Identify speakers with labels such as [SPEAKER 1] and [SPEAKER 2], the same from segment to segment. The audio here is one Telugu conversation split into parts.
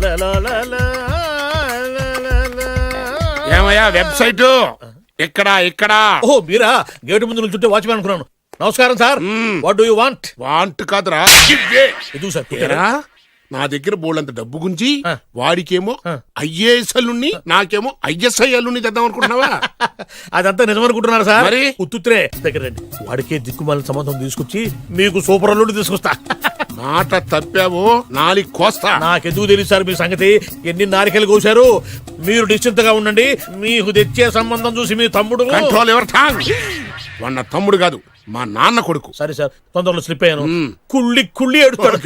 [SPEAKER 1] ఏమయ్యా వెబ్సైట్ ఇక్కడ
[SPEAKER 2] ఓ మీరా గేటు ముందు నుంచుంటే వాచ్మెన్ అనుకున్నాను. నమస్కారం sir. What do you want?
[SPEAKER 1] Want కాదురా,
[SPEAKER 2] ఎదుగు సార్.
[SPEAKER 1] ఏరా, నా దగ్గర బోళ్ళంత డబ్బు గుంచి వాడికేమో ఐఏఎస్ అల్లుని నాకేమో ఐఎస్ఐ అల్లుని తెద్దాం అనుకుంటున్నావా?
[SPEAKER 2] అదంతా నిజమనుకుంటున్నారా సార్?
[SPEAKER 1] మరి
[SPEAKER 2] ఉత్తుత్రే దగ్గర రండి. వాడికే దిక్కుమాలిన సంబంధం తీసుకొచ్చి మీకు సూపర్ అల్లుడు తీసుకొస్తా.
[SPEAKER 1] మాట తప్పావో నాలి కోస్తా.
[SPEAKER 2] నాకెందుకు తెలియదు సార్ మీ సంగతి. ఎన్ని నారికలు కోశారు. మీరు నిశ్చింతగా ఉండండి. మీకు తెచ్చే సంబంధం చూసి మీ తమ్ముడు
[SPEAKER 1] కంట్రోల్ ఎవర్ టాంగ్. వాడు నా తమ్ముడు కాదు, మా నాన్న కొడుకు.
[SPEAKER 2] సరే సార్, తొందరలో స్లిప్ అయ్యాను. కుళ్ళి కుళ్ళి ఎడుతాడు.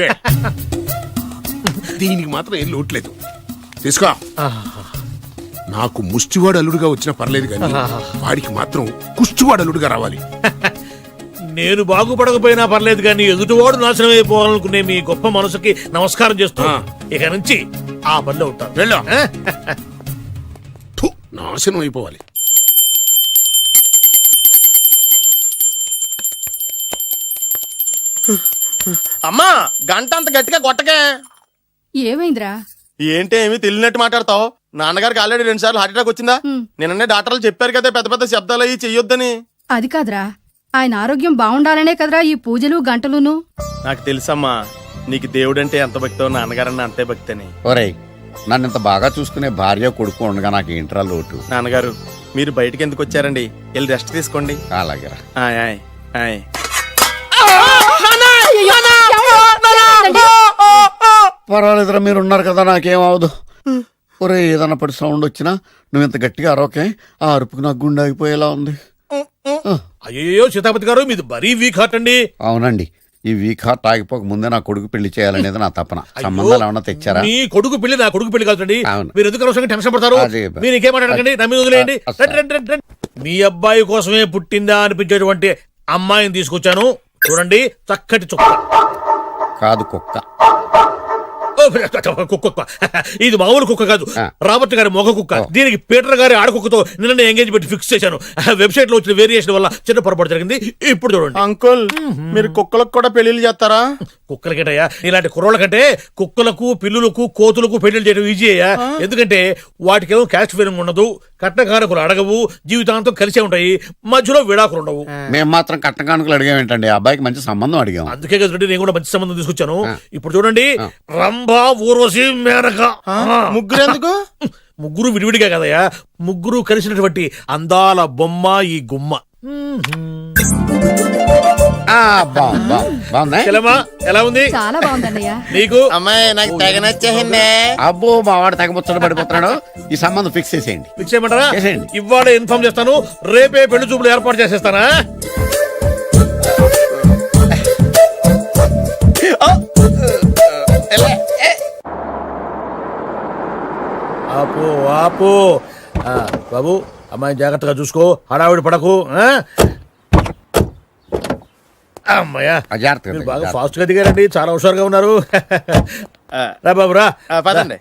[SPEAKER 1] దీనికి మాత్రం ఏం లోట్లేదు. తీసుకో. నాకు ముష్టివాడు అల్లుడుగా వచ్చినా పర్లేదు కానీ వాడికి మాత్రం కుష్టివాడు అల్లుడుగా రావాలి.
[SPEAKER 2] నేను బాగుపడకపోయినా పర్లేదు కానీ ఎదుటివాడు నాశనం అయిపోవాలనుకునే మీ గొప్ప మనసుకి నమస్కారం చేస్తా. ఇక నుంచి ఆ పనిలో ఉంటాను.
[SPEAKER 1] వెళ్ళా. నాశనం అయిపోవాలి.
[SPEAKER 3] అమ్మా గంట అంత గట్టిగా కొట్టకే.
[SPEAKER 4] ఏమైందిరా?
[SPEAKER 3] ఏంటి ఏమి తెలియనట్టు మాట్లాడతావు? నాన్నగారికి ఆల్రెడీ 2 సార్లు హార్ట్ అటాక్ వచ్చిందా? నిన్ననే డాక్టర్లు చెప్పారు కదా పెద్ద పెద్ద శబ్దాలు అయ్యి చెయ్యొద్దని.
[SPEAKER 4] అది కాదురా, ఆయన ఆరోగ్యం బాగుండాలనే కదరా ఈ పూజలు గంటలును.
[SPEAKER 3] నాకు తెలుసమ్మా, నీకు దేవుడంటే ఎంత భక్తో నాన్నగారన్న అంతే భక్తి అని.
[SPEAKER 5] ఒరేయ్, నన్ను ఇంత బాగా చూసుకునే భార్య కొడుకు ఉండగా నాకు ఏంట్రా లోటు?
[SPEAKER 3] నాన్నగారు మీరు బయటికి ఎందుకు వచ్చారండి? వెళ్ళి రెస్ట్ తీసుకోండి.
[SPEAKER 5] అలాగేరా.
[SPEAKER 3] ఆయ్ ఆయ్ ఆయ్.
[SPEAKER 5] పర్వాలేదురా, మీరు ఉన్నారు కదా, నాకేం అవదు. ఒరే, ఏదన్నా పడి సౌండ్ వచ్చినా నువ్వు ఇంత గట్టిగా అరవకే. ఆ అరుపుకి నాకు గుండె ఆగిపోయేలా ఉంది.
[SPEAKER 2] అయ్యో సీతాపతి గారు, మీది మరీ వీక్ హార్ట్ అండి.
[SPEAKER 5] అవునండి, ఈ వీక్ హార్ట్ ఆగిపోక ముందే నా కొడుకు పెళ్లి చేయాలనేది నా తపన. సంబంధాలు ఏమన్నా తెచ్చారా?
[SPEAKER 2] మీ కొడుకు పెళ్లి నా కొడుకు పెళ్లి కాదండి.
[SPEAKER 5] అవును.
[SPEAKER 2] మీరు ఎందుకు అవసరంగా టెన్షన్ పడతారు? మీరు ఇంకేమాటండి, నా మీద వదిలేయండి. మీ అబ్బాయి కోసమే పుట్టిందా అనిపించేటువంటి అమ్మాయిని తీసుకొచ్చాను. చూడండి, చక్కటి చుక్క.
[SPEAKER 5] కాదు, కుక్క.
[SPEAKER 2] కుక్క. ఇది మామూలు కుక్క కాదు, రాబర్ట్ గారి మొగ కుక్క. దీనికి పీటర్ గారి ఆడకుక్కతో నిన్న ఎంగేజ్మెంట్ ఫిక్స్ చేశాను. వెబ్సైట్ లో వచ్చిన వేరియేషన్ వల్ల చిన్న పొరపాటు జరిగింది. ఇప్పుడు చూడండి.
[SPEAKER 3] అంకుల్, మీరు కుక్కలకు కూడా పెళ్లిళ్ళు చేస్తారా?
[SPEAKER 2] కుక్కలకేటయ్యా, ఇలాంటి కుర్రోళ్ళ కంటే కుక్కలకు, పిల్లులకు, కోతులకు పెళ్లిళ్ళు చేయడం ఈజీ అయ్యా. ఎందుకంటే వాటికేమో క్యాస్ట్ ఫీలింగ్ ఉండదు, కట్నకానుకలు అడగవు, జీవితాంతం కలిసే ఉంటాయి, మధ్యలో విడాకులు ఉండవు.
[SPEAKER 5] మేము మాత్రం కట్నకానుకలు అడిగామేంటండి? అబ్బాయికి మంచి సంబంధం అడిగాం.
[SPEAKER 2] అందుకే కదండి నేను కూడా మంచి సంబంధం తీసుకొచ్చాను. ఇప్పుడు చూడండి, రంభా, ఊర్వశి, మేనక.
[SPEAKER 3] ముగ్గురు ఎందుకు?
[SPEAKER 2] ముగ్గురు విడివిడిగా కదయ్యా, ముగ్గురు కలిసినటువంటి అందాల బొమ్మ ఈ గుమ్మ. ఎలా ఉంది?
[SPEAKER 4] చాలా బాగుందన్నయ్య.
[SPEAKER 2] నీకు?
[SPEAKER 3] అమ్మాయి నాకు తెగ నచ్చేసిందే.
[SPEAKER 5] అబ్బో, మా వాడు తెగబుచ్చట పడిపోతున్నాడు. ఈ సంబంధం ఫిక్స్ చేసేయండి.
[SPEAKER 2] ఫిక్స్ చేయమంటారా?
[SPEAKER 5] చేసేయండి.
[SPEAKER 2] ఇవాళ ఇన్ఫార్మ్ చేస్తాను, రేపే పెళ్లి చూపులు ఏర్పాటు చేసేస్తానా? ఆపు ఆపు. బాబు, అమ్మాయిని జాగ్రత్తగా చూసుకో, హడావిడి పడకు. అమ్మాయ్యా, మీరు బాగా ఫాస్ట్ గా దిగారండి, చాలా హుషారుగా ఉన్నారు. రా బాబు రా.
[SPEAKER 3] పదండి.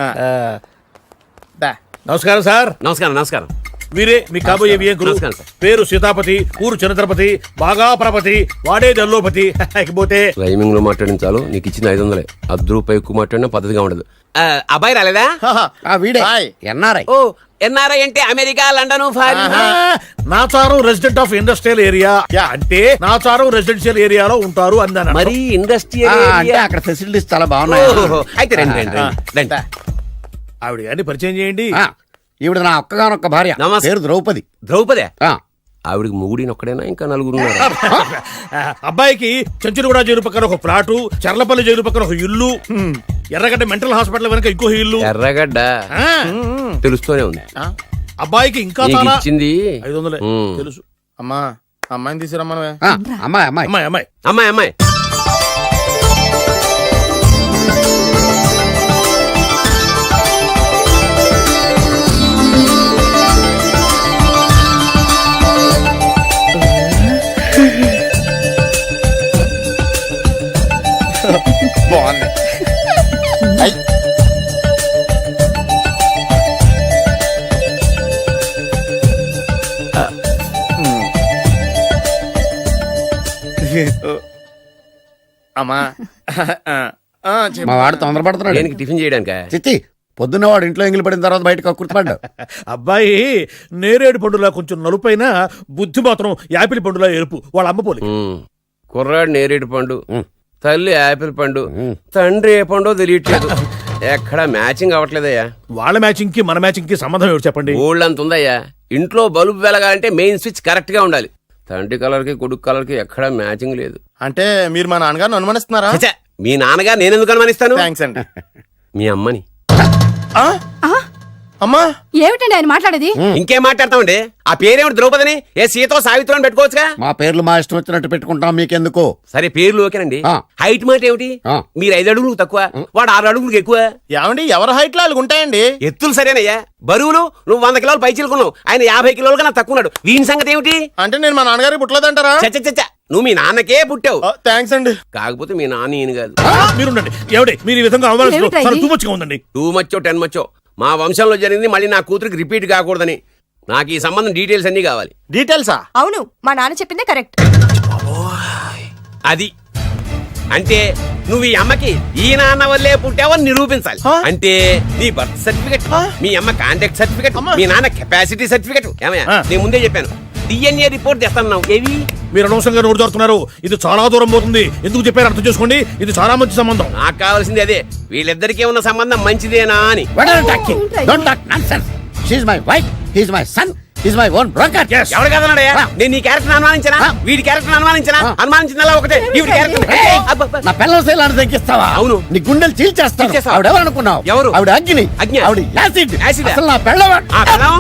[SPEAKER 2] నమస్కారం సార్.
[SPEAKER 6] నమస్కారం. నమస్కారం.
[SPEAKER 2] వీరే మీ కాబోయే వియంకులు. పేరు సీతాపతి, ఊరు చంద్రపతి, బాగా ప్రపతి, వాడే దల్లోపతి. పోతే
[SPEAKER 6] రైమింగ్ లో మాట్లాడించాలు. నీకు ఇచ్చిన 500. ₹10 ఎక్కువ మాట్లాడినా పద్ధతిగా ఉండదు. అబ్బాయి రాలేదా?
[SPEAKER 5] వీడే ఎన్ఆర్ఐ.
[SPEAKER 6] ఓ, ఎన్ఆర్ఐ అంటే America, London, foreign.
[SPEAKER 2] Nacharam resident of industrial area అంటే నాచారం రెసిడెన్షియల్ ఏరియాలో ఉంటారు అందాను.
[SPEAKER 6] మరి ఇండస్ట్రియల్
[SPEAKER 5] అంటే అక్కడ ఫెసిలిటీస్ చాలా బాగున్నాయి.
[SPEAKER 6] అయితే రండి.
[SPEAKER 2] ఆవిడ గారిని పరిచయం చేయండి.
[SPEAKER 5] ఈవిడ నా ఒక్కగానొక్క భార్య, పేరు ద్రౌపది.
[SPEAKER 6] ద్రౌపదే? ఆవిడికి మొగుడిని ఒక్కడైనా ఇంకా 4 ఉన్నారు.
[SPEAKER 2] అబ్బాయికి చెంచులగూడ జైలు పక్కన ఒక ప్లాటు, చర్లపల్లి జైలు పక్కన ఒక ఇల్లు, ఎర్రగడ్డ మెంటల్ హాస్పిటల్ వెనక ఇంకో ఇల్లు.
[SPEAKER 6] ఎర్రగడ్డ తెలుస్తూనే ఉంది.
[SPEAKER 2] అబ్బాయికి ఇంకా
[SPEAKER 6] ఇచ్చింది
[SPEAKER 2] 500 తెలుసు.
[SPEAKER 3] అమ్మా, అమ్మాయిని తీసుకురమ్మా.
[SPEAKER 5] అమ్మాయి అమ్మాయి
[SPEAKER 2] అమ్మాయి అమ్మాయి
[SPEAKER 6] అమ్మాయి అమ్మాయి
[SPEAKER 3] బాగుంది. అమ్మా,
[SPEAKER 5] మా వాడు తొందరపడుతున్నాడు.
[SPEAKER 6] దేనికి టిఫిన్ చేయడానికా?
[SPEAKER 5] చిచ్చి పొద్దున్న వాడు ఇంట్లో ఎంగిలి పడిన తర్వాత బయటకు కుర్తుపడ్డాడు.
[SPEAKER 2] అబ్బాయి నేరేడు పండులా కొంచెం నలుపైన బుద్ధి మాత్రం యాపిల్ పండులా ఎరుపు. వాళ్ళ అమ్మ పోలి.
[SPEAKER 6] కుర్రాడు నేరేడు పండు, తల్లి యాపిల్ పండు, తండ్రి ఏ పండో తెలియట్లేదు. ఎక్కడ మ్యాచింగ్ అవ్వట్లేదయ్యా.
[SPEAKER 2] వాళ్ళ మ్యాచింగ్ కి మన మ్యాచింగ్ కి సంబంధం ఏమిటి చెప్పండి?
[SPEAKER 6] ఊళ్ళంత ఉందయ్యా. ఇంట్లో బల్బు వెలగాలంటే మెయిన్ స్విచ్ కరెక్ట్ గా ఉండాలి. తండ్రి కలర్ కి కొడుకు కలర్ కి ఎక్కడ మ్యాచింగ్ లేదు.
[SPEAKER 3] అంటే మీరు మా నాన్నగారిని అనుమానిస్తున్నారా?
[SPEAKER 6] ఛ, మీ నాన్నగారు నేనెందుకు అనుమానిస్తాను?
[SPEAKER 3] థ్యాంక్స్ అండి.
[SPEAKER 6] మీ అమ్మని.
[SPEAKER 3] ఆ? అమ్మా
[SPEAKER 4] ఏమిటండి ఆయన మాట్లాడేది?
[SPEAKER 6] ఇంకేం మాట్లాడతామండి? ఆ పేరేమిటి ద్రౌపదిని? ఏ సీతో సావిత్రి అని పెట్టుకోవచ్చుగా.
[SPEAKER 5] మా పేర్లు మా ఇష్టం వచ్చినట్టు పెట్టుకుంటాం, మీకెందుకు?
[SPEAKER 6] సరే పేర్లు ఓకేనండి.
[SPEAKER 5] ఆ.
[SPEAKER 6] హైట్ మాట ఏమిటి?
[SPEAKER 5] ఆ.
[SPEAKER 6] మీరు 5 అడుగులు తక్కువ, వాడు 6 అడుగులకు ఎక్కువ.
[SPEAKER 3] ఏమండి ఎవరి హైట్ లో వాళ్ళకి ఉంటాయండి.
[SPEAKER 6] ఎత్తులు సరేనయ్యా. బరువులు నువ్వు 100 కిలోలు పై చిలుకున్నావు, ఆయన 50 కిలోలుగా నాకు తక్కువ ఉన్నాడు. వీని సంగతి ఏమిటి?
[SPEAKER 3] అంటే నేను మా నాన్నగారికి పుట్టలేదంటారా?
[SPEAKER 6] చచ్చ నువ్వు మీ నాన్నకే పుట్టావు.
[SPEAKER 3] థ్యాంక్స్ అండి.
[SPEAKER 6] కాకపోతే మీ నాన్న ఈయన కాదు.
[SPEAKER 2] మీరుండండి. ఏమిటి మీరు ఈ విధంగా అవమానిస్తున్నారు?
[SPEAKER 4] ఏమిటా
[SPEAKER 2] చాలా
[SPEAKER 4] ఇది?
[SPEAKER 2] too much గా ఉందండి.
[SPEAKER 6] 2 మచ్చో 10 మచ్చో మా వంశంలో జరిగింది మళ్ళీ నా కూతురికి రిపీట్ కాకూడదని నాకు ఈ సంబంధం డీటెయిల్స్ అన్నీ కావాలి.
[SPEAKER 3] డీటెయిల్సా?
[SPEAKER 7] అవును, మా నాన్న చెప్పిందే కరెక్ట్.
[SPEAKER 6] అది అంటే నువ్వు ఈ అమ్మకి ఈ నాన్న వల్లే పుట్టావని నిరూపించాలి. అంటే నీ బర్త్ సర్టిఫికెట్, మీ అమ్మ కాంటాక్ట్ సర్టిఫికెట్, మీ నాన్న కెపాసిటీ సర్టిఫికెట్. ఏమయ్యా, నేను ముందే చెప్పాను DNA రిపోర్ట్ తెస్తాను. ఏవి
[SPEAKER 2] మీరు అనవసరంగా నోరు జారుతున్నారు. ఇది చాలా దూరం పోతుంది. ఎందుకు చెప్పారు అర్థం చేసుకోండి. ఇది చాలా మంచి సంబంధం.
[SPEAKER 6] నాకు కావాల్సింది అదే, వీళ్ళిద్దరికీ ఉన్న సంబంధం మంచిదేనా అని.
[SPEAKER 5] What are you talking? Don't talk nonsense. She's my wife, he's my son, he's my own broker.
[SPEAKER 2] Yes.
[SPEAKER 6] ఎవరు కదన్నాడయ్యా? నేను నీ క్యారెక్టర్ అనుమానించనా? వీడి క్యారెక్టర్ అనుమానించనా? అనుమానించిందల్లా ఒకటే. వీడి క్యారెక్టర్
[SPEAKER 5] నా పిల్లల శైలాన్ని తగ్గిస్తావా?
[SPEAKER 6] అవును.
[SPEAKER 5] నీ గుండెలు చీల్చేస్తాను.
[SPEAKER 6] చీల్చేస్తావా?
[SPEAKER 5] ఆవిడ ఎవరు అనుకున్నావు?
[SPEAKER 6] ఎవరు?
[SPEAKER 5] ఆవిడ అగ్ని.
[SPEAKER 6] అగ్ని.
[SPEAKER 5] ఆవిడ యాసిడ్.
[SPEAKER 6] యాసిడా?
[SPEAKER 5] అసలు నా పిల్లవాడు.
[SPEAKER 6] ఆ పిల్లం?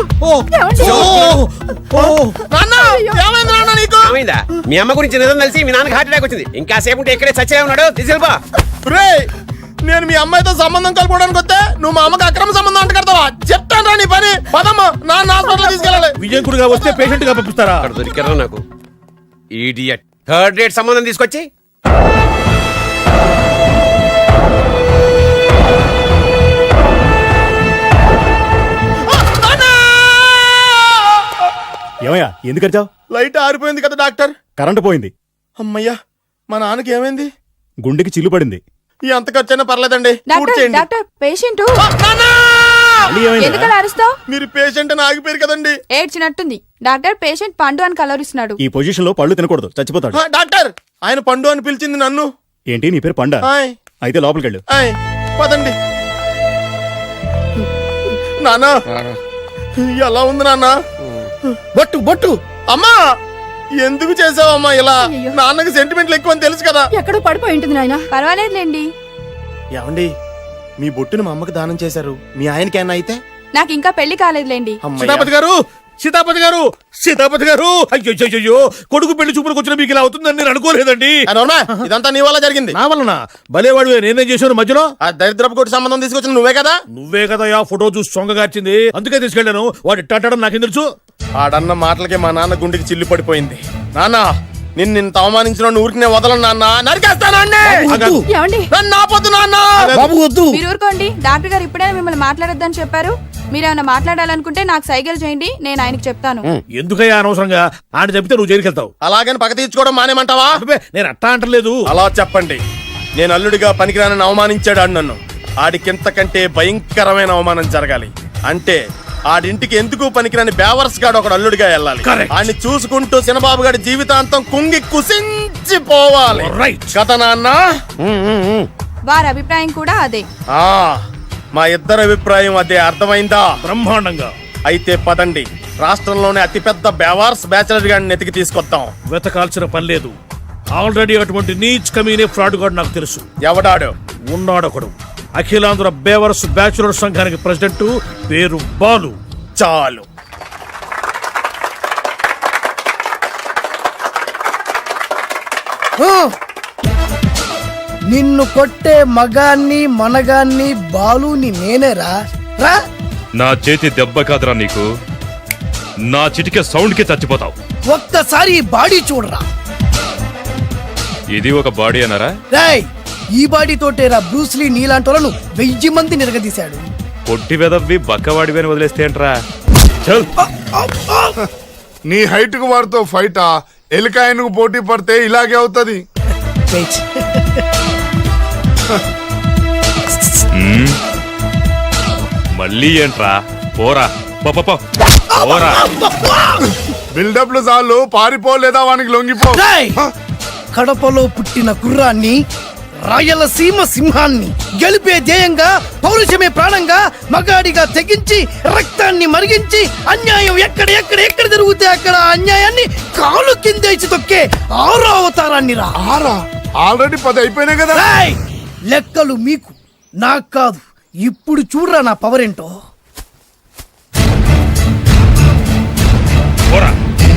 [SPEAKER 3] ఏమైంది నాన్న నీకు?
[SPEAKER 6] ఏమైందా? మీ అమ్మ గురించి నిజం తెలిసి మీ నాన్నకి హార్ట్ అటాక్ వచ్చింది. ఇంకా సేపు ఉంటే ఇక్కడే చచ్చే ఉన్నాడు. తీసుకెళ్ళిపో.
[SPEAKER 3] రేయ్, నేను మీ అమ్మాయితో సంబంధం కలుపుకోవడానికి వస్తే నువ్వు మా అమ్మకి అక్రమ సంబంధం అంట కడతావా? చెప్తాను రా నీ పని. పదమ్మా, నాన్న హాస్పిటల్ తీసుకెళ్ళాలి.
[SPEAKER 2] విజయకుడిగా వస్తే పేషెంట్ గా పంపిస్తారా?
[SPEAKER 6] అక్కడ దొరికారా నాకు ఈడియట్. 3rd రేట్ సంబంధం తీసుకొచ్చి
[SPEAKER 8] ఏమయ్యా ఎందుకు వచ్చావు?
[SPEAKER 3] లైట్ ఆరిపోయింది కదా డాక్టర్.
[SPEAKER 8] కరెంటు పోయింది.
[SPEAKER 3] అమ్మయ్యా, మా నాన్నకి ఏమైంది?
[SPEAKER 8] గుండెకి చిల్లు పడింది.
[SPEAKER 3] ఎంత ఖర్చైనా పర్లేదండి. పూర్తి
[SPEAKER 7] డాక్టర్
[SPEAKER 3] చేయండి.
[SPEAKER 7] డాక్టర్ పేషెంట్
[SPEAKER 3] నాన్నా!
[SPEAKER 8] మళ్ళీ ఏమైందిరా?
[SPEAKER 7] ఎందుకలా అరుస్తావు?
[SPEAKER 3] మీరు పేషెంట్ అని ఆగిపోయారు కదండి.
[SPEAKER 7] ఏడ్చినట్టుంది. డాక్టర్ పేషెంట్ పండు అని కలరిస్తున్నాడు.
[SPEAKER 8] ఈ పొజిషన్ లో పళ్ళు తినకూడదు, చచ్చిపోతాడు.
[SPEAKER 3] డాక్టర్, ఆయన పండు అని పిలిచింది నన్ను.
[SPEAKER 8] ఏంటి నీ పేరు పండా?
[SPEAKER 3] ఆయ్,
[SPEAKER 8] అయితే లోపలికి వెళ్ళు.
[SPEAKER 3] ఆయ్, పదండి. నాన్నా, ఎలా ఉంది నాన్న?
[SPEAKER 5] బొట్టు బొట్టు.
[SPEAKER 3] అమ్మా, ఎందుకు చేసావమ్మా ఇలా?
[SPEAKER 4] అయ్యయ్యో.
[SPEAKER 3] నాన్నకి సెంటిమెంట్లు ఎక్కువ అని తెలుసు కదా.
[SPEAKER 4] ఎక్కడో పడిపోయి ఉంటుంది నాయన.
[SPEAKER 7] పర్వాలేదులేండి.
[SPEAKER 3] ఏమండి, మీ బొట్టును మా అమ్మకి దానం చేశారు. మీ ఆయనకేనా అయితే?
[SPEAKER 7] నాకు ఇంకా పెళ్లి కాలేదులేండి.
[SPEAKER 3] అమ్మయ్య.
[SPEAKER 2] సీతాపతి గారు, సీతాపతి గారు, సీతాపతి గారు. అయ్యో, కొడుకు పెళ్లి చూపులకు వచ్చిన మీకు ఇలా అవుతుందని నేను అనుకోలేదండి.
[SPEAKER 3] ఆ, నోర్మా, ఇదంతా నీ వల్ల జరిగింది.
[SPEAKER 2] నా వలన భలేవాడు. నేనేం చేశాను మధ్యలో?
[SPEAKER 3] ఆ దరిద్రపు కొట్టి సంబంధం తీసుకొచ్చిన నువ్వే కదా.
[SPEAKER 2] నువ్వే కదా ఆ ఫోటో చూసి సొంగగార్చింది. అందుకే తీసుకెళ్లాను. వాడు ఇట్టాడడం నాకేం తెలుసు?
[SPEAKER 3] ఆడన్న మాటలకి మా నాన్న గుండెకి చిల్లు పడిపోయింది. నాన్న, నిన్ను అవమానించిన ఊరికి వదలను నాన్న. నరికేస్తాను అండి.
[SPEAKER 5] వద్దు.
[SPEAKER 4] ఏమండి?
[SPEAKER 3] నన్ను ఆపొద్దు నాన్న.
[SPEAKER 5] బాబు వద్దు.
[SPEAKER 7] మీరు ఊరుకోండి. డాక్టర్ గారు ఇప్పుడే మిమ్మల్ని మాట్లాడొద్దని చెప్పారు. మీరేమైనా మాట్లాడాలనుకుంటే నాకు సైగలు చేయండి, నేను ఆయనకి చెప్తాను.
[SPEAKER 2] ఎందుకయ్యా అనవసరంగా? ఆయన చెప్తే నువ్వు జైలుకి వెళ్తావు.
[SPEAKER 3] అలాగని పక్క తీర్చుకోవడం మానేమంటావా?
[SPEAKER 2] అబ్బే, నేను అట్టా అంటలేదు.
[SPEAKER 3] అలా చెప్పండి. నేను అల్లుడిగా పనికిరానని అవమానించాడు ఆడు నన్ను. ఆడికింతకంటే భయంకరమైన అవమానం జరగాలి. అంటే ఆడింటికి ఎందుకు పనికిరాని బేవర్స్ గాడు ఒకడు అల్లుడిగా వెళ్ళాలి.
[SPEAKER 2] Correct.
[SPEAKER 3] ఆడిని చూసుకుంటూ చిన్నబాబు గారి జీవితాంతం కుంగి కుసించిపోవాలి.
[SPEAKER 2] Right.
[SPEAKER 3] కదా నాన్న?
[SPEAKER 7] వారి అభిప్రాయం కూడా అదే.
[SPEAKER 3] ఆ, మా ఇద్దరి అభిప్రాయం అదే. అర్థమైందా?
[SPEAKER 2] బ్రహ్మాండంగా.
[SPEAKER 3] అయితే పదండి, రాష్ట్రంలోనే అతిపెద్ద బేవార్స్ బ్యాచిలర్ గాడిని ఎతికి తీసుకొద్దాం.
[SPEAKER 2] వెతకాల్సిన పని లేదు. ఆల్రెడీ అటువంటి నీచ్ కమీనే ఫ్రాడ్ గాడు నాకు తెలుసు.
[SPEAKER 3] ఎవడాడు?
[SPEAKER 2] ఉన్నాడొకడు. అఖిలాంధ్ర బేవర్స్ బ్యాచులర్ సంఘానికి ప్రెసిడెంట్, పేరు బాలు.
[SPEAKER 3] చాలు.
[SPEAKER 9] నిన్ను కొట్టే మగాన్ని మనగాన్ని బాలుని నేనేరా. రా.
[SPEAKER 10] నా చేతి దెబ్బ కాదురా నీకు, నా చిటికే సౌండ్ కి చచ్చిపోతావు.
[SPEAKER 9] ఒక్కసారి ఈ బాడీ చూడరా.
[SPEAKER 10] ఇది ఒక బాడీ అన్నారా?
[SPEAKER 9] రాయ్, ఈ బాడీ తోటేరా బ్రూస్లీ నీలాంటోలను 1000 మంది నిరగదీశాడు.
[SPEAKER 10] పొట్టి వెదవ్వి బక్కవాడివి అని వదిలేస్తే ఏంట్రా? చల్.
[SPEAKER 1] నీ హైట్ కు వాడితో ఫైటా? ఎలికాయనకు పోటీ పడితే ఇలాగే అవుతుంది.
[SPEAKER 9] వెయిట్.
[SPEAKER 10] మళ్ళీ ఏంట్రా పోరా పో, పో, పో. పోరా
[SPEAKER 1] బిల్డప్లు చాలు పారిపోలేదా వానికి లొంగిపో.
[SPEAKER 9] రేయ్! కడపలో పుట్టిన కుర్రాన్ని, రాయలసీమ సింహాన్ని గెలిపే ధ్యేయంగా, పౌరుషమే ప్రాణంగా, మగాడిగా తెగించి రక్తాన్ని మరిగించి అన్యాయం ఎక్కడ జరుగుతే అక్కడ అన్యాయాన్ని కాలు కిందేసి తొక్కే 6వ అవతారాన్ని రా.
[SPEAKER 1] ఆల్రెడీ 10 అయిపోయినాయి కదా.
[SPEAKER 9] రేయ్! లెక్కలు మీకు, నాకు కాదు. ఇప్పుడు చూడరా నా పవర్ ఏంటో.
[SPEAKER 10] పోరా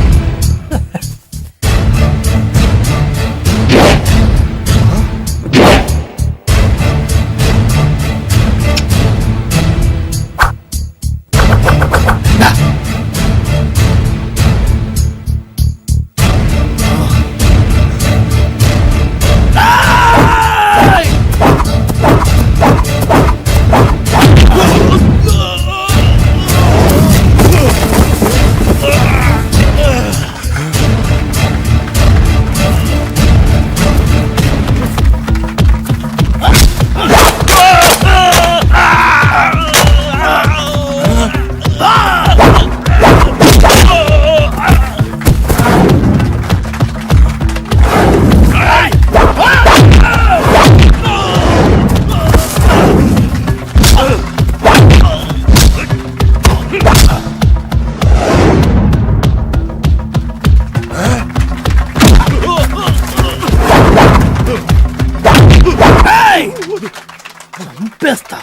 [SPEAKER 9] చంపేస్తా.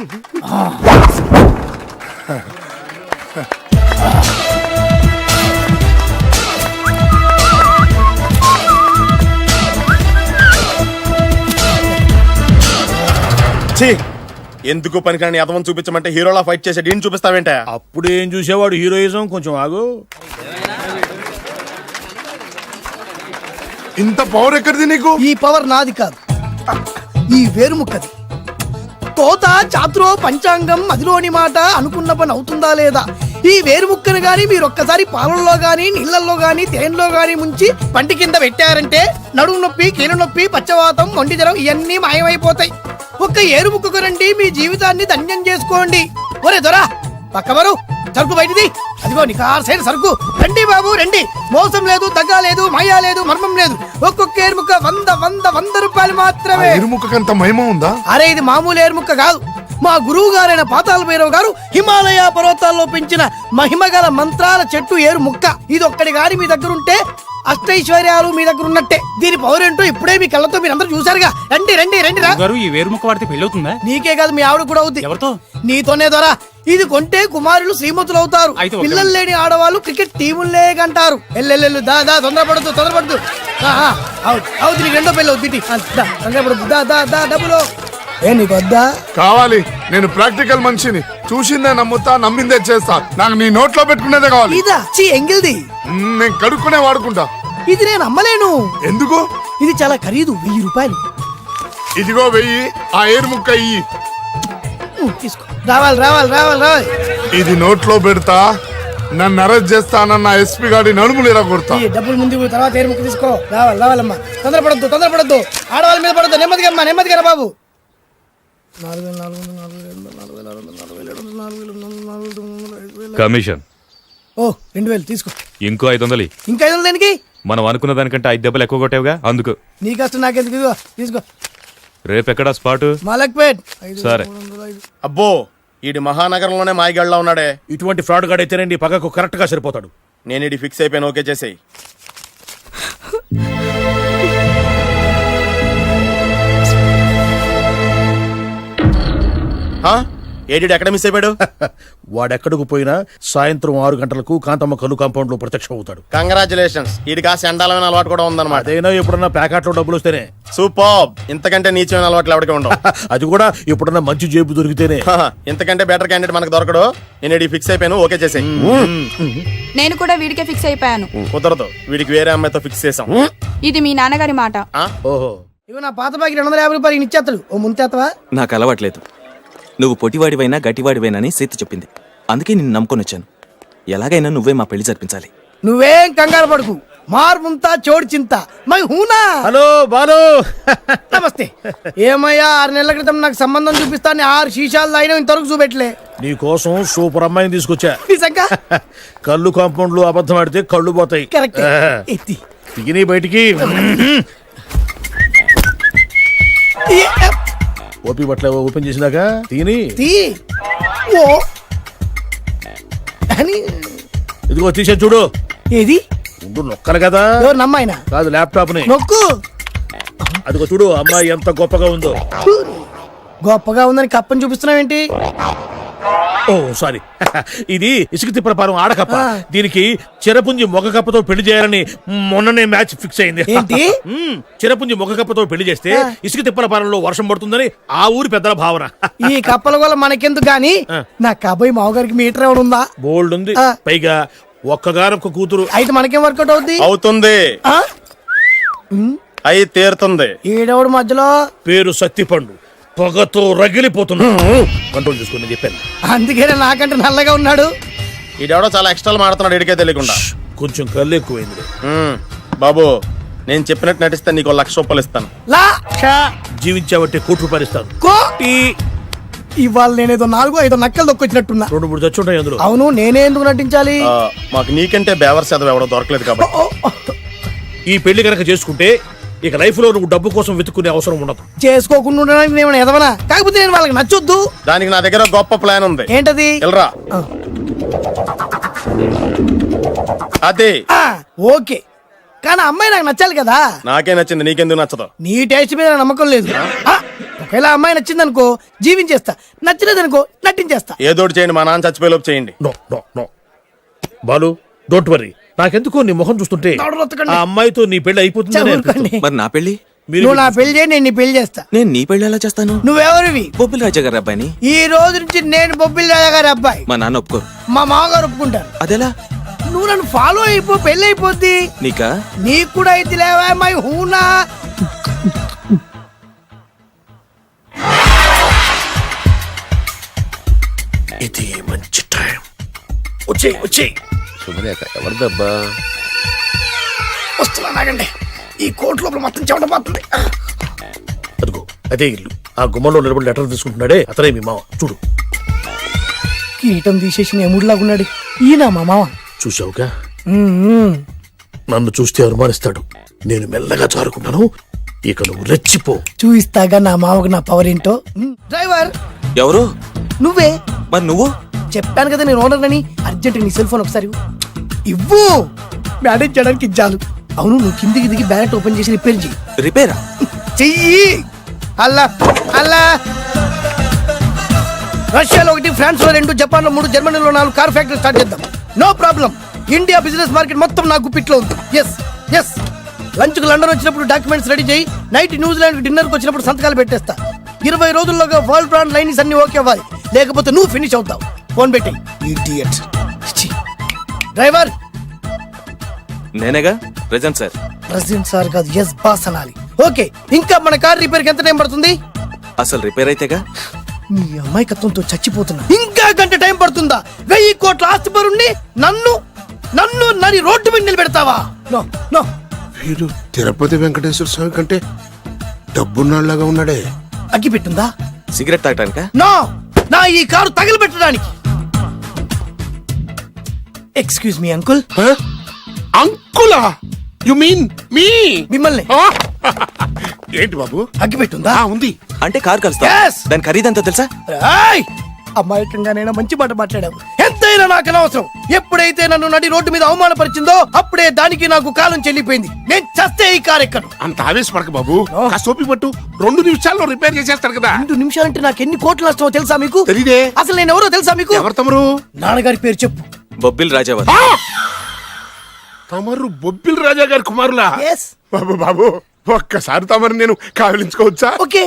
[SPEAKER 3] ఛీ! ఎందుకు పనికిరాని అదవం చూపించమంటే హీరోలా ఫైట్ చేసే డీన్ చూపిస్తావేంట?
[SPEAKER 2] అప్పుడు ఏం చూసేవాడు హీరోయిజం. కొంచెం ఆగు.
[SPEAKER 1] ఇంత పవర్ ఎక్కడిది నీకు?
[SPEAKER 9] ఈ పవర్ నాది కాదు, ఈ వేరుముక్కది. కోత చాతురో పంచాంగం మదిలోని మాట అనుకున్న పని అవుతుందా లేదా? ఈ వేరుముక్కను గాని మీరొక్కసారి పాలల్లో గాని నీళ్లలో గాని తేనెలో గాని ముంచి పంటి కింద పెట్టారంటే నడుము నొప్పి, కీలు నొప్పి, పచ్చవాతం, మొండి జ్వరం ఇవన్నీ మాయమైపోతాయి. ఒక్క ఏరుముక్కకు రండి, మీ జీవితాన్ని ధన్యం చేసుకోండి. ఒరే దొరా, పక్కవరు సరుకు బయటిది. అదిగో నికార్సైన సరుకు. రండి బాబు రండి. మోసం లేదు, దగ్గ లేదు, మాయా లేదు, మర్మం లేదు. ఒక్కొక్క ఏరుముక్క 100 రూపాయలు మాత్రమే.
[SPEAKER 1] ఎరుముకంత మహిమ ఉందా?
[SPEAKER 9] అరే ఇది మామూలు ఏరుముక్క కాదు. మా గురువు గారైన పాతాళ భైరవ్ గారు హిమాలయ పర్వతాల్లో పెంచిన మహిమగల మంత్రాల చెట్టు ఏరు ముక్క. ఇది ఒక్కడి గాని మీ దగ్గర ఉంటే అష్టైశ్వర్యాలు మీ దగ్గర ఉన్నట్టే. దీని పవర్ ఏంటో ఇప్పుడే మీ కళ్ళతో మీరందరూ చూసారుగా. రండి రండి రండి రా.
[SPEAKER 8] ఈ వేరుముక్క వాడితే పెళ్లి అవుతుందా?
[SPEAKER 9] నీకే కాదు, మీ ఆవిడ కూడా అవుద్ది.
[SPEAKER 8] ఎవరితో?
[SPEAKER 9] నీతోనే ద్వారా. ఇది కొంటే కుమారులు శ్రీమంతులు అవుతారు. పిల్లలు లేని ఆడవాళ్ళు క్రికెట్ టీములే కంటారు. ఎల్లెల్లెల్లు దా దా, తొందరపడద్దు. అవుతుంది, నీకు రెండో పెళ్ళి అవుతుంది. తొందరపడద్దు, దా దా దా, డబ్బులు ఏ నీకు వద్దా?
[SPEAKER 1] కావాలి. నేను ప్రాక్టికల్ మనిషిని. చూసిందే నమ్ముతా, నమ్మిందే చేస్తా. నాకు నీ నోట్లో పెట్టుకునేదే కావాలి.
[SPEAKER 9] ఇదా చీ ఎంగిల్ది.
[SPEAKER 1] నేను కడుక్కునే వాడుకుంటా.
[SPEAKER 9] ఇది నేను అమ్మలేను.
[SPEAKER 1] ఎందుకు?
[SPEAKER 9] ఇది చాలా ఖరీదు, 1000 రూపాయలు.
[SPEAKER 1] ఇదిగో 1000. ఆ ఏరు ముక్క ఇయ్యి.
[SPEAKER 9] తీసుకో. రావాలి.
[SPEAKER 1] ఇది నోట్లో పెడతా. నన్ను అరెస్ట్ చేస్తానన్న ఎస్పీ గారి నడుములు ఇలా కొడతా.
[SPEAKER 9] ఈ డబ్బులు ముందు తర్వాత ఏరు ముక్క తీసుకో. రావాలమ్మా. తొందరపడద్దు. ఆడవాళ్ళ మీద పడద్దు. నెమ్మదిగా రా బాబు. 4,000,
[SPEAKER 10] కమిషన్.
[SPEAKER 9] ఓ 2,000 తీసుకో.
[SPEAKER 10] ఇంకో 500.
[SPEAKER 9] ఇంకా 500 దేనికి?
[SPEAKER 10] మనం అనుకున్న దానికంటే 5 దెబ్బలు ఎక్కువ కొట్టావుగా, అందుకు.
[SPEAKER 9] నీ కష్టం నాకెందుకు? ఇదిగో తీసుకో.
[SPEAKER 10] రేపెక్కడా స్పాటు?
[SPEAKER 9] మలక్పేట్.
[SPEAKER 10] సరే.
[SPEAKER 3] అబ్బో, ఈడి మహానగరంలోనే మాయగాళ్ళ ఉన్నాడే.
[SPEAKER 2] ఇటువంటి ఫ్రాడ్ గాడైతేనండి పక్కకు కరెక్ట్ గా సరిపోతాడు.
[SPEAKER 3] నేను ఇది ఫిక్స్ అయిపోయాను. ఓకే చేసేయి. ఏడి ఎక్కడ మిస్ అయిపోయాడు?
[SPEAKER 2] వాడెక్కడికి పోయినా సాయంత్రం 6 గంటలకు కాంతమ్మ కల్లు కాంపౌండ్ లో ప్రత్యక్షం అవుతాడు.
[SPEAKER 3] కంగ్రాచులేషన్స్. ఈడికి ఆ సెండాలమైన అలవాటు కూడా ఉందన్నమాట.
[SPEAKER 2] అదైనా ఎప్పుడన్నా ప్యాకెట్లో డబ్బులు వస్తేనే.
[SPEAKER 3] సూపర్. ఇంతకంటే నీచమైన అలవాట్లు ఎవరికి ఉండవు.
[SPEAKER 2] అది కూడా ఎప్పుడన్నా మంచి జేబు దొరికితేనే.
[SPEAKER 3] ఇంతకంటే బెటర్ క్యాండిడేట్ మనకు దొరకడు. నేను ఇది ఫిక్స్ అయిపోయాను. ఓకే చేసేయి.
[SPEAKER 7] నేను కూడా వీడికే ఫిక్స్ అయిపోయాను.
[SPEAKER 3] కుదరదు, వీడికి వేరే అమ్మాయితో ఫిక్స్ చేసాం.
[SPEAKER 7] ఇది మీ నాన్నగారి మాట.
[SPEAKER 2] ఓహో,
[SPEAKER 9] ఇవి నా పాత బాకి 250 రూపాయలు ఇచ్చేస్తాడు. ఓ ముంతేత్తవా?
[SPEAKER 11] నాకు అలవాట్లేదు. నువ్వు పొటివాడివైనా గట్టివాడివైనా అని సీత చెప్పింది. అందుకే నిన్ను నమ్ముకొని వచ్చాను. ఎలాగైనా నువ్వే మా పెళ్లి జరిపించాలి.
[SPEAKER 9] నువ్వేం కంగారు పడుకు. మార్ ముంతా చోడు చింత మై హూనా.
[SPEAKER 2] హలో బాలు.
[SPEAKER 9] నమస్తే. ఏమయ్యా 6 నెలల క్రితం నాకు సంబంధం చూపిస్తాను 6 శీషాలు తాగినా ఇంతవరకు చూపెట్టలే.
[SPEAKER 2] నీ కోసం సూపర్ అమ్మాయిని తీసుకొచ్చా.
[SPEAKER 9] నిజంగా
[SPEAKER 2] కళ్ళు కాంపౌండ్ లో అబద్ధం ఆడితే కళ్ళు పోతాయి.
[SPEAKER 9] కరెక్ట్. ఎత్తి
[SPEAKER 2] తిని బయటికి. ఓపి బట్ల ఓపెన్ చేసినాక తిని
[SPEAKER 9] తీ. ఓ అని
[SPEAKER 2] ఇదిగో తీసే చూడు.
[SPEAKER 9] ఏది
[SPEAKER 2] ముందు నొక్కలు కదా.
[SPEAKER 9] ఎవరు నమ్మాయినా
[SPEAKER 2] కాదు ల్యాప్టాప్ ని
[SPEAKER 9] నొక్కు.
[SPEAKER 2] అదిగో చూడు అమ్మాయి ఎంత గొప్పగా ఉందో.
[SPEAKER 9] గొప్పగా ఉందని కప్పని చూపిస్తున్నావేంటి?
[SPEAKER 2] ఓ సారీ. ఇది ఇసుక తిప్పల పారం ఆడకప్ప. దీనికి చిరపుంజి మొగ కప్పతో పెళ్లి చేయాలని మొన్ననే మ్యాచ్ ఫిక్స్ అయింది.
[SPEAKER 9] ఏంటి?
[SPEAKER 2] చిరపుంజి మొగ కప్పతో పెళ్లి చేస్తే ఇసుక తిప్పల పారంలో వర్షం పడుతుందని ఆ ఊరి పెద్దల భావన.
[SPEAKER 9] ఈ కప్పల వల్ల మనకెందుకు గాని నా కాబోయే మావగారికి మీటర్ ఎవడు ఉందా?
[SPEAKER 2] బోల్డ్ ఉంది. పైగా ఒక్కగానొక్క కూతురు.
[SPEAKER 9] అయితే మనకేం వర్కౌట్ అవుద్ది?
[SPEAKER 3] అవుతుంది. అయి తీరుతుంది.
[SPEAKER 9] ఈడెవడు మధ్యలో?
[SPEAKER 2] పేరు సత్తిపండు. పొగతో రగిలిపోతున్నా. కంట్రోల్ చూసుకుని చెప్పాను.
[SPEAKER 9] అందుకేనే నాకంటే నల్లగా ఉన్నాడు.
[SPEAKER 3] ఈడెవడో చాలా ఎక్స్ట్రాలు మాడుతున్నాడు ఇడికే తెలియకుండా.
[SPEAKER 2] కొంచెం కళ్ళు ఎక్కువైంది.
[SPEAKER 3] బాబు నేను చెప్పినట్టు నటిస్తే నీకు 1,00,000 రూపాయలు ఇస్తాను.
[SPEAKER 2] జీవించాబట్టి ₹1,00,000 ఇస్తాను.
[SPEAKER 9] ఇవాళ నేనేదో 4-5 నక్కలు దొక్కొచ్చినట్టున్నా.
[SPEAKER 2] 2-3 చచ్చుంటాయి అందులో.
[SPEAKER 9] అవును, నేనే ఎందుకు నటించాలి?
[SPEAKER 3] మాకు నీకంటే బేవర్ చదవ ఎవడో దొరకలేదు కాబట్టి.
[SPEAKER 2] ఈ పెళ్లి కనుక చేసుకుంటే ఇక లైఫ్ లో నువ్వు డబ్బు కోసం వెతుక్కునే అవసరం ఉండదు.
[SPEAKER 9] చేసుకోకుండా ఉండడానికి నేను ఎదవనా? కాకపోతే నేను వాళ్ళకి నచ్చొద్దు.
[SPEAKER 3] దానికి నా దగ్గర గొప్ప ప్లాన్ ఉంది.
[SPEAKER 9] ఏంటది?
[SPEAKER 3] వెళ్ళరా. అదే.
[SPEAKER 9] ఓకే, కానీ అమ్మాయి నాకు నచ్చాలి కదా.
[SPEAKER 3] నాకే నచ్చింది, నీకెందుకు నచ్చదు?
[SPEAKER 9] నీ టేస్ట్ మీద నాకు నమ్మకం లేదు. ఒకవేళ అమ్మాయి నచ్చింది అనుకో జీవించేస్తా, నచ్చలేదనుకో నటించేస్తా.
[SPEAKER 3] ఏదోటి చేయండి, మా నాన్న చచ్చిపోయేలోపు చేయండి.
[SPEAKER 2] No no no Balu, don't worry. నాకెందుకో నీ ముఖం చూస్తుంటే ఆ అమ్మాయితో నీ పెళ్లి అయిపోతుంది.
[SPEAKER 11] మరి నా పెళ్లి?
[SPEAKER 9] నువ్వు నా పెళ్లి చేయి, నేను నీ పెళ్లి చేస్తా.
[SPEAKER 11] నేను నీ పెళ్లి ఎలా చేస్తాను?
[SPEAKER 9] నువ్వెవరివి?
[SPEAKER 11] బొబ్బిలి రాజా గారి అబ్బాయిని.
[SPEAKER 9] ఈ రోజు నుంచి నేను బొబ్బిలి రాజా గారి అబ్బాయి.
[SPEAKER 11] మా నాన్న ఒప్పుకోరు.
[SPEAKER 9] మా మామగారు ఒప్పుకుంటారు.
[SPEAKER 11] అదెలా?
[SPEAKER 9] నువ్వు నన్ను ఫాలో అయిపో, పెళ్లి అయిపోద్ది.
[SPEAKER 11] నీకా?
[SPEAKER 9] నీకు కూడా అయితే లేవా మై హూనా.
[SPEAKER 2] ఇది మంచి టైం. వచ్చేయ్ వచ్చేయ్.
[SPEAKER 1] శుభలేఖ ఎవరిదబ్బా?
[SPEAKER 9] వస్తున్నా నాగండి. ఈ కోట్ లోపల మొత్తం చెమటపోతుంది.
[SPEAKER 2] అదిగో అదే ఇల్లు. ఆ గుమ్మంలో నిలబడి లెటర్ తీసుకుంటున్నాడే అతనే మీ మామ. చూడు.
[SPEAKER 9] కీటం తీసేసి ఎముడిలాగున్నాడు. ఈయన మా మామ.
[SPEAKER 2] చూసావుగా? నన్ను చూస్తే అనుమానిస్తాడు. నేను మెల్లగా జారుకున్నాను. ఇక నువ్వు రెచ్చిపో.
[SPEAKER 9] చూయిస్తాగా నా మామకు నా పవర్ ఏంటో. డ్రైవర్
[SPEAKER 11] ఎవరు?
[SPEAKER 9] నువ్వే.
[SPEAKER 11] మరి నువ్వు?
[SPEAKER 9] చెప్పాను కదా నేను ఓనర్ అని. అర్జెంట్ నీ సెల్ ఫోన్ ఒకసారి ఇవ్వు. మేనేజ్ చేయడానికి ఇచ్చాను. అవును, నువ్వు కిందికి దిగి బ్యానెట్ ఓపెన్ చేసి రిపేర్ చెయ్యి.
[SPEAKER 11] రిపేరా?
[SPEAKER 9] చెయ్యి. అల్లా అల్లా. రష్యాలో 1, ఫ్రాన్స్ లో 2, జపాన్ లో 3, జర్మనీలో 4 కార్ ఫ్యాక్టరీ స్టార్ట్ చేద్దాం. No problem. India business market మొత్తం నా గుప్పిట్లో ఉంది. Yes yes. లంచ్ కు లండన్ వచ్చినప్పుడు డాక్యుమెంట్స్ రెడీ చేయి. నైట్ న్యూజిలాండ్ డిన్నర్ కు వచ్చినప్పుడు సంతకాలు పెట్టేస్తా. 20 రోజుల్లోగా వరల్డ్ బ్రాండ్ లైన్స్ అన్ని ఓకే అవ్వాలి, లేకపోతే నువ్వు ఫినిష్ అవుతావు. ఫోన్ పెట్టి. ఇడియట్. డ్రైవర్.
[SPEAKER 11] నేనేగా ప్రెజెంట్ సార్.
[SPEAKER 9] ప్రెసిడెంట్ సార్ కాదు, ఎస్ బాస్ అనాలి. ఓకే, ఇంకా మన కార్ రిపేర్ కి ఎంత టైం పడుతుంది?
[SPEAKER 11] అసలు రిపేర్ అయితేగా.
[SPEAKER 9] నీ అమాయకత్వంతో చచ్చిపోతున్నా. ఇంకా గంట టైం పడుతుందా? 1000 కోట్ల ఆస్తి పరుణ్ణి నన్ను నన్ను నరి రోడ్డు మీద నిలబెడతావా? No no.
[SPEAKER 1] వీడు తిరుపతి వెంకటేశ్వర స్వామి కంటే డబ్బున్నాళ్ళగా ఉన్నాడే.
[SPEAKER 9] అగ్గి పెట్టుందా?
[SPEAKER 11] సిగరెట్ తాగటానికా?
[SPEAKER 9] నో, నా ఈ కారు తగలబెట్టడానికి. Excuse me uncle.
[SPEAKER 1] అంకులా? You mean me?
[SPEAKER 9] మిమ్మల్ని.
[SPEAKER 1] ఏంటి బాబు?
[SPEAKER 9] అగ్గి పెట్టుందా?
[SPEAKER 1] ఉంది.
[SPEAKER 11] అంటే కార్ కలుస్తా.
[SPEAKER 9] Yes.
[SPEAKER 11] దాని ఖరీదంతా తెలుసా?
[SPEAKER 9] అమాయకంగానైనా మంచి మాట మాట్లాడావు. ఎంతైనా నాకు అనవసరం. ఎప్పుడైతే నన్ను నడి రోడ్డు మీద అవమానపరిచిందో అప్పుడే దానికి నాకు కాలం చెల్లిపోయింది. నేను చస్తే ఈ కారు ఎక్కను.
[SPEAKER 1] అంత ఆవేశపడక బాబు. కాస్త ఓపిక పట్టు. 2 నిమిషాల్లో రిపేర్ చేసేస్తాడు కదా.
[SPEAKER 9] 2 నిమిషాలంటే నాకు ఎన్ని కోట్లు నష్టమో తెలుసా మీకు?
[SPEAKER 1] తెలీదే.
[SPEAKER 9] అసలు నేను ఎవరో తెలుసా మీకు?
[SPEAKER 1] ఎవరు తమరు?
[SPEAKER 9] నాన్నగారి పేరు చెప్పు.
[SPEAKER 11] బొబ్బిల్ రాజావారు.
[SPEAKER 1] తమరు బొబ్బిల్ రాజా గారి కుమారులా?
[SPEAKER 9] Yes.
[SPEAKER 1] బాబు బాబు, ఒక్కసారి తమరు నేను కావలించుకోవచ్చా?
[SPEAKER 9] ఓకే.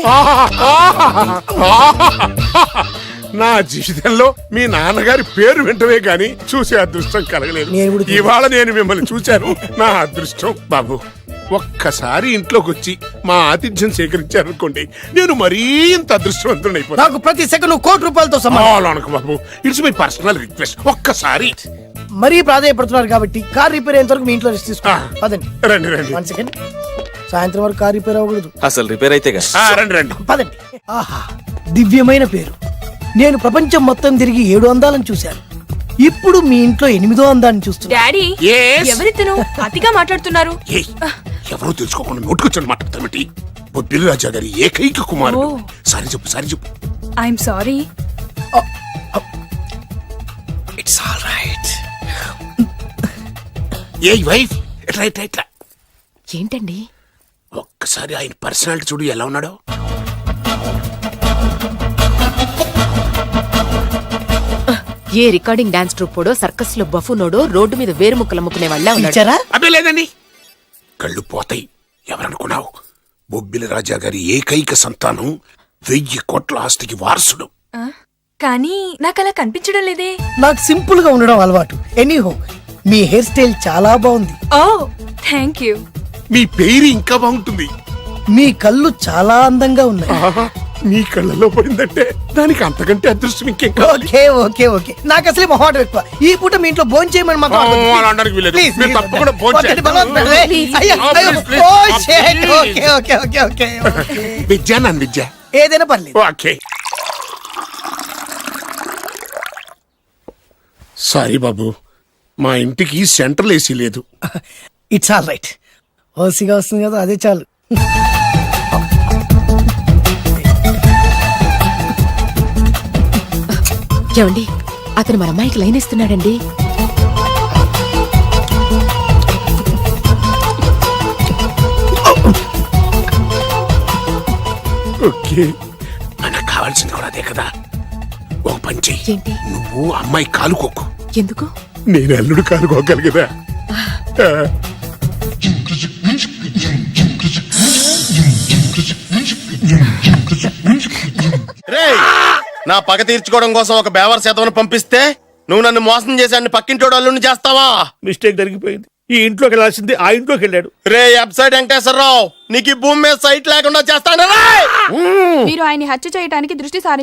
[SPEAKER 1] నా జీవితంలో మీ నాన్నగారి పేరు వింటమే గాని చూసే అదృష్టం కలగలేదు. ఇవాళ నేను మిమ్మల్ని చూశాను. నా అదృష్టం. బాబు, ఒక్కసారి ఇంట్లోకి వచ్చి మా ఆతిథ్యం సేకరించారనుకోండి, నేను మరీ ఇంత అదృష్టవంతుడైపోతాను.
[SPEAKER 9] నాకు ప్రతి సెకండ్ ₹1,00,00,000 సమానం.
[SPEAKER 1] బాబు, ఇట్స్ మై పర్సనల్ రిక్వెస్ట్. ఒక్కసారి
[SPEAKER 9] మరీ ప్రాధాన్యపడుతున్నారు కాబట్టి కార్ రిపేర్ అయ్యేంత వరకు మీ ఇంట్లో రెస్ట్ తీసుకోండి. పదండి.
[SPEAKER 1] రండి రండి.
[SPEAKER 9] 1 సెకండ్. సాయంత్రం వరకు కార్ రిపేర్ అవ్వకూడదు.
[SPEAKER 11] అసలు రిపేర్ అయితేగా.
[SPEAKER 1] రండి రండి.
[SPEAKER 9] పదండి. ఆహా, దివ్యమైన పేరు. నేను ప్రపంచం మొత్తం తిరిగి 7 అందాలను చూశాను. ఇప్పుడు మీ ఇంట్లో 8వ అందాన్ని చూస్తున్నా.
[SPEAKER 7] Daddy
[SPEAKER 1] Yes?
[SPEAKER 7] ఎవరితను అతిగా మాట్లాడుతున్నారు?
[SPEAKER 1] ఏయ్, ఎవరో తెలుసుకోకుండా నోటుకొచ్చాను మాట్లాడతామటి. బొబ్బిలి రాజా గారి ఏకైక కుమారుడు.
[SPEAKER 7] ఓ.
[SPEAKER 1] సారీ చెప్పు.
[SPEAKER 7] I'm sorry.
[SPEAKER 1] It's all right. ఏ వైఫ్ ఎట్లా
[SPEAKER 7] ఏంటండి?
[SPEAKER 1] ఒక్కసారి ఆయన పర్సనాలిటీ చూడు ఎలా ఉన్నాడో.
[SPEAKER 7] ఏ రికార్డింగ్ డాన్స్ ట్రూపోడో సర్కస్ లో బఫునోడో రోడ్డు మీద వేరుముక్కలు అమ్ముకునే వాళ్ళ ఉన్నాడు.
[SPEAKER 9] ఇచ్చారా?
[SPEAKER 1] అబ్బే లేదండి. కళ్ళు పోతాయి. ఎవరనుకున్నావు? బొబ్బిలి రాజా గారి ఏకైక సంతానం 1000 కోట్ల ఆస్తికి వారసుడు.
[SPEAKER 7] కానీ నాకు అలా కనిపించడం లేదే.
[SPEAKER 9] నాకు సింపుల్ గా ఉండడం అలవాటు. ఎనీహో, మీ హెయిర్ స్టైల్ చాలా బాగుంది.
[SPEAKER 7] ఓ థ్యాంక్ యూ.
[SPEAKER 1] మీ పేరు ఇంకా బాగుంటుంది.
[SPEAKER 9] మీ కళ్ళు చాలా అందంగా ఉన్నాయి.
[SPEAKER 1] ఆహా, నీ కళ్ళలో పడిందంటే దానికి అంతకంటే అదృష్టం ఇంకేం కావాలి?
[SPEAKER 9] ఓకే. నాకు అసలే మొహాటం ఎక్కువ. ఈ పూట మీ ఇంట్లో భోజనం చేయమని మాత్రం అనవద్దు.
[SPEAKER 1] అలా అనడానికి వీలేదు.
[SPEAKER 9] Please,
[SPEAKER 1] మీరు
[SPEAKER 9] please.
[SPEAKER 1] తప్పకుండా భోంచేయండి.
[SPEAKER 9] వద్దండి, బలవంతం.
[SPEAKER 7] Please.
[SPEAKER 9] అయ్యో, అయ్యో.
[SPEAKER 1] Please.
[SPEAKER 9] Oh, shit.
[SPEAKER 1] Please.
[SPEAKER 9] Okay.
[SPEAKER 1] Vidya నన్ను విద్య.
[SPEAKER 9] ఏదైనా పర్లేదు.
[SPEAKER 1] ఓకే. సారీ బాబు, మా ఇంటికి సెంట్రల్ ఏసీ లేదు.
[SPEAKER 9] It's all right. ఓసిగా వస్తుంది కదా, అదే చాలు.
[SPEAKER 7] ఏమండి, అతను మన అమ్మాయికి లైన్ ఇస్తున్నాడండి.
[SPEAKER 1] ఓకే, మనకు కావాల్సింది కూడా అదే కదా. ఒక పని చెయ్యి.
[SPEAKER 7] ఏంటి?
[SPEAKER 1] నువ్వు అమ్మాయి కాలుకోకు,
[SPEAKER 7] ఎందుకు?
[SPEAKER 1] నేను అల్లుడు కాలుకోగలి కదా.
[SPEAKER 3] రేయ్, నా పగ తీర్చుకోవడం కోసం ఒక బేవర్ శాతం పంపిస్తే నువ్వు నన్ను మోసం చేశాన్ని పక్కింటోడు అల్లుని చేస్తావా?
[SPEAKER 2] మిస్టేక్ జరిగిపోయింది. ఈ ఇంట్లోకి వెళ్ళాల్సింది ఆ ఇంట్లోకి వెళ్ళాడు.
[SPEAKER 3] రే వెబ్సైట్ వెంకటేశ్వరరావు, నీకు ఈ భూమి మీద సైట్ లేకుండా చేస్తాను.
[SPEAKER 7] మీరు ఆయన్ని హత్య చేయడానికి దృష్టి సారి